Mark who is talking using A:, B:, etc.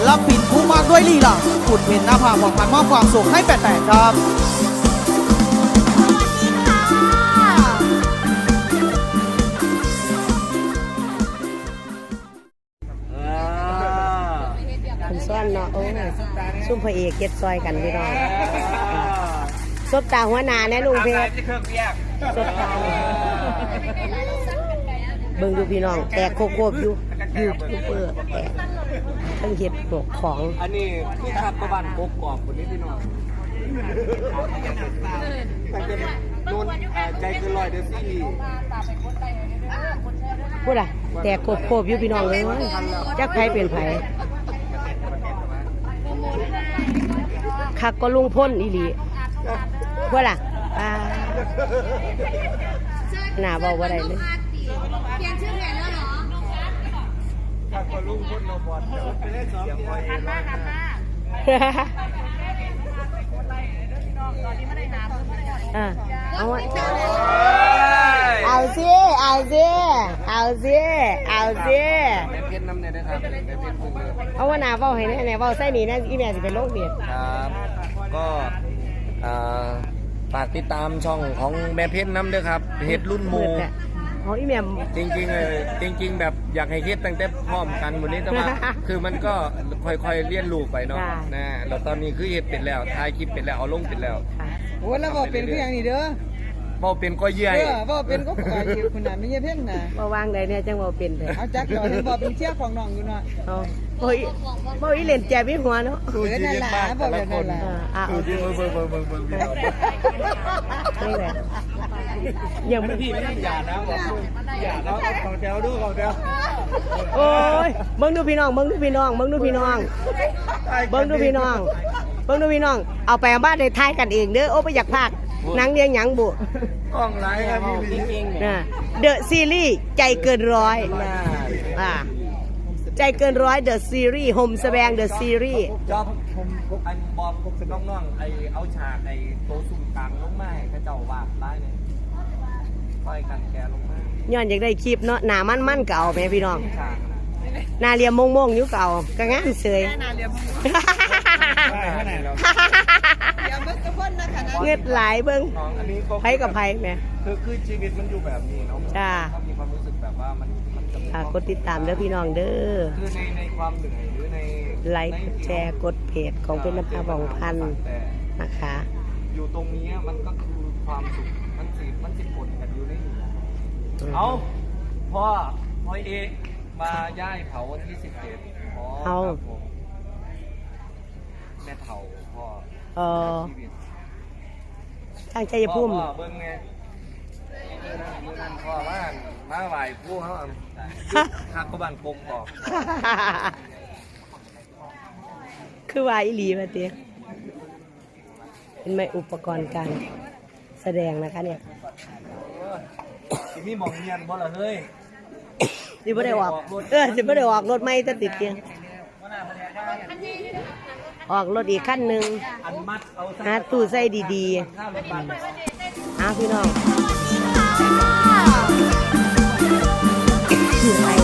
A: ลปินผู้มากด้วยลีลาขุดเห็นหน้าผาของพันมอบความสุขให้แปดๆครับ
B: คุณซ้อนเนาะโอ้ซุ่มพระเอกเก็บซอยกันพี่น้องซบตาหัวหนาแน่ลุงเพชรซบตาเบิ่งดูพี่น้องแตกโคบอยู่เปิดแตกทั้งเห็ดหกของ
C: อันนี้คือขับประวันกกรอบคนนี้พี่น้องมันเป็นนุ่นใจเกินร้อยเดือดซี่
B: พูดอะแตกโคบอยู่พี่น้องเลยจักไผเป็นไผคักก็ลุงพ่นอีหลีพูดอะหน้าบอกว่าอะไรเลย
D: เปลี่ยนชื่อเพลงแล้วเหรอ
C: ขับก็ลุงพ่นโนบอลไปเล่นสองหันมา
B: เอาสิ
C: แม่เพี้ยนน้ำเนี่ยนะครับแม่เพี้ยนพึ่งเลย
B: เอาว่าหน้าเว้าให้แน่เว้าใส่นี่นะอีแม่สิเป็นโรคเบียด
C: ครับก็ฝากติดตามช่องของแม่เพี้ยนน้ำด้วยครับเฮ็ดรุ่นโม
B: อ๋ออีแม่
C: จริงๆเลยจริงๆแบบอยากให้คิดตั้งแต่พร้อมกันวันนี้แต่ว่าคือมันก็ค่อยๆเรียนรู้ไปเนาะนะแล้วตอนนี้คือเฮ็ดเป็นแล้วถ่ายคลิปเป็นแล้วเอาลงเป็นแล้ว
E: โอ้แล้วบอกเป็นเพียงนี่เด้อ
C: บอกเป็นก็เยี่ย
E: บอกเป็นก็ปล่อยอยู่คนนั้นไม่ใช่เพ่งนะ
B: บ่วางใดเนี่ยจังบ่เป็นเด้อ
E: เอาจักก่อนบอกเป็นเชี่ยของน้องอยู่เนาะ
B: โอ้ยบ่อีเล่นแจมีหัวเนาะ
E: นั่นล่ะบอกแบบนั้นล่ะ
C: ดูดิเบิ่ง
B: นี่แหละยังไม่
C: พี่ไม่อย่านะบอกอย่าเนาะของแถวดูของแถว
B: โอ้ยเบิ่งดูพี่น้องเอาไปบ้านได้ทายกันเองเด้อโอ้บ่อยากพากหนังเรียงหยังบุ
C: กล้องไลฟ์ครับพี่
B: นะเดอะซีรีส์ใจเกินร้อยใจเกินร้อยเดอะซีรีส์โฮมแสดงเดอะซีรีส์
C: จอบผมอันบอกผมเป็นน้องไอเอาฉากไอโตสุ่มกลางลงมาให้เขาเจ้าวาดได้เลยค่อยกันแกลงมา
B: ย้อนอยากได้คลิปเนาะหน้ามันเก่าแม่พี่น้องหน้าเรียมมงอยู่เก่าก็งามเสยเงือดไหลเบิ้งไผกับไผแม่
C: คือชีวิตมันอยู่แบบนี้เนาะ
B: จ้า
C: มีความรู้สึกแบบว่ามัน
B: กดติดตามเด้อพี่น้องเด้อ
C: คือในความเหนื่อยหรือใน
B: ไลค์กดแชร์กดเพจของเป็นน้ำตาบองพันนะคะ
C: อยู่ตรงนี้มันก็คือความสุขมันสิผลกันอยู่ในนี้เอาพ่อเอกมาย่ายเผาวันที่17
B: เอา
C: แม่เผาพ่อ
B: ทางใจพุ่ม
C: เบิ้งไงนั่นพ่อว่ามาไหวผู้เขาหักกบ้านปงบอก
B: คือว่าอีหลีมาเตี้ยเป็นไหมอุปกรณ์การแสดงนะคะเนี่ย
C: มีหมองเงียนบ่ล่ะเฮ้ย
B: สิบ่ได้ออกสิบ่ได้ออกรถไม่จะติดเกียงออกรถอีกขั้นหนึ่งหาตู้ใส่ดีๆพี่น้อง